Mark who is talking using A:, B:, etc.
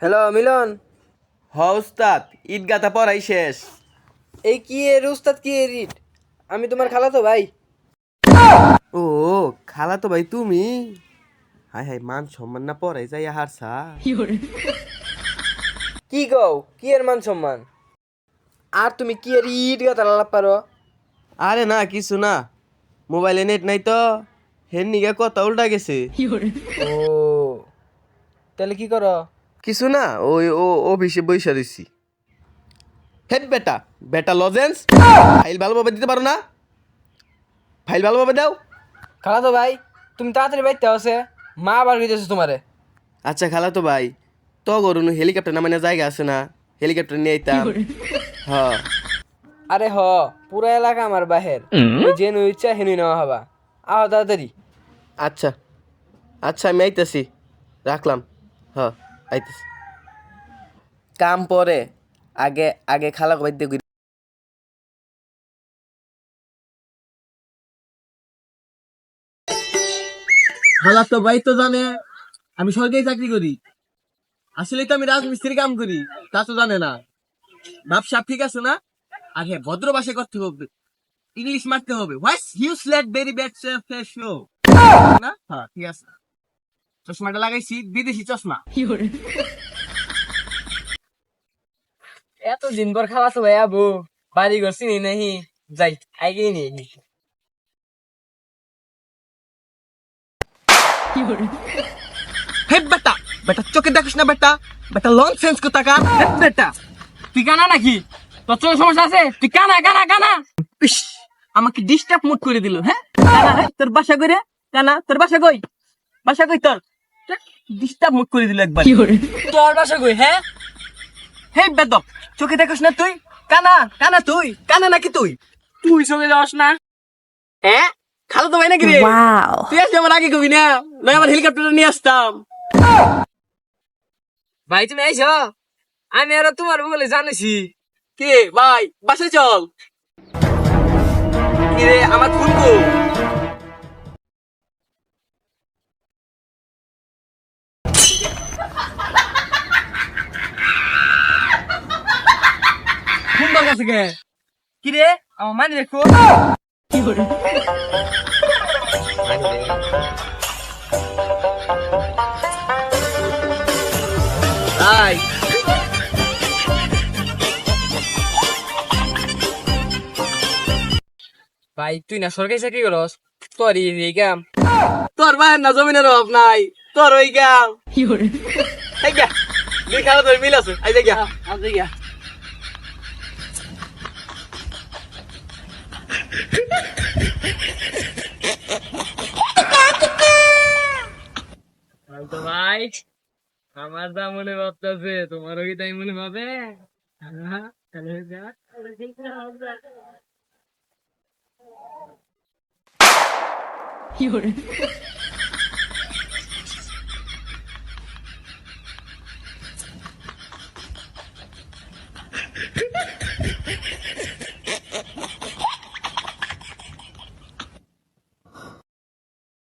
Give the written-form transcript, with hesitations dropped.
A: Hello মিলন।
B: হ উস্তাদ, ঈদ গাথা পড়াই শেষ।
A: এই কি এর উস্তাদ কি এর ইট? আমি তোমার খালাতো ভাই।
B: ও খালা তো ভাই তুমি? হাই হাই, মান সম্মান না পড়াই যাই হারসা।
A: কি কও কি এর মান সম্মান? আর তুমি কি এর ইট গাতা লাভ পারো?
B: আরে না কিছু না, মোবাইলে নেট নাই তো, হেন নিগে কথা উল্টা গেছে।
A: ও তাহলে কি করো?
B: কিছু না, ওই ও অফিসে বইসা রইছি। হেড বেটা, বেটা লজেন্স ফাইল ভালোভাবে দিতে পারো না? ফাইল ভালোভাবে দাও।
A: খালাতো ভাই তুমি তাড়াতাড়ি বাইতে আছে, মা আবার কইতেছে তোমারে।
B: আচ্ছা খালা তো ভাই, তো গরুন হেলিকপ্টার নামানো জায়গা আছে না? হেলিকপ্টার নিয়ে আইতাম। হ্যাঁ
A: আরে পুরা এলাকা আমার বাহের, তুমি যে নই ইচ্ছা হেনুই নেওয়া হবা। আহ তাড়াতাড়ি।
B: আচ্ছা আচ্ছা, আমি আইতাছি, রাখলাম। হ্যাঁ আইতাছি। কাম পরে, আগে আগে খালা বাইদ্য করি।
C: খালা তো ভাই তো জানে আমি সরকারি চাকরি করি। আসলে তো আমি রাজমিস্ত্রি কাম করি, তা তো জানে না। ব্যবসা ঠিক আছে না? আর হ্যাঁ, ভদ্র ভাষায় করতে হবে, ইংলিশ মারতে হবে। What's useless very bad face show না? হ্যাঁ ঠিক আছে। চশমাটা লাগাইছি, বিদেশি চশমা।
A: এত দিন পর খালাতো ভাই আবু, বাড়ি ঘর চিনি নাহি, যাই আইগে নিয়ে
C: হে বেটা, বেটা চোখে দেখিস না বেটা, বেটা লং সেন্স কোথাকার। হে বেটা,
A: তুই কানা নাকি? তোর চোখের সমস্যা আছে? তুই কানা কানা কানা।
C: ইস, আমাকে ডিস্টার্ব মুড করে দিল। হ্যাঁ কানা, হ্যাঁ তোর বাসা কই রে? কানা তোর বাসা কই? বাসা কই তোর? ডিস্টার্ব মুড করে দিল একবার।
A: তোর বাসা কই? হ্যাঁ
C: হে বেদব, চোখে দেখিস না তুই? কানা কানা তুই কানা নাকি তুই?
A: তুই চলে যাস না।
C: হ্যাঁ খালো তো ভাই নাকি রে? তুই আসলে আমার আগে কবি না, নয় আমার হেলিকপ্টার নিয়ে আসতাম।
A: ভাই তুমি আইছো? আমি আর তোমার বলে জানিছি।
C: কে ভাই, বাসে চল। কি রে আমার ফোন কো? ফোন তোর কাছে কে?
A: কি রে আমার মানে দেখো।
C: ভাই
A: ভাই তুই না সরকারি চাকরি করস, তোর এই কাম।
C: তোর ভাইয়ের না জমিনের অভাব নাই, তোর ওই গাম। এই গা, দুই খালো তোর মিল আছে, আই দেখ গা।
A: তো ভাই আমার যা মনে ভাবতেছে তোমারও কি তাই মনে ভাবে? হ্যাঁ, তাহলে যা।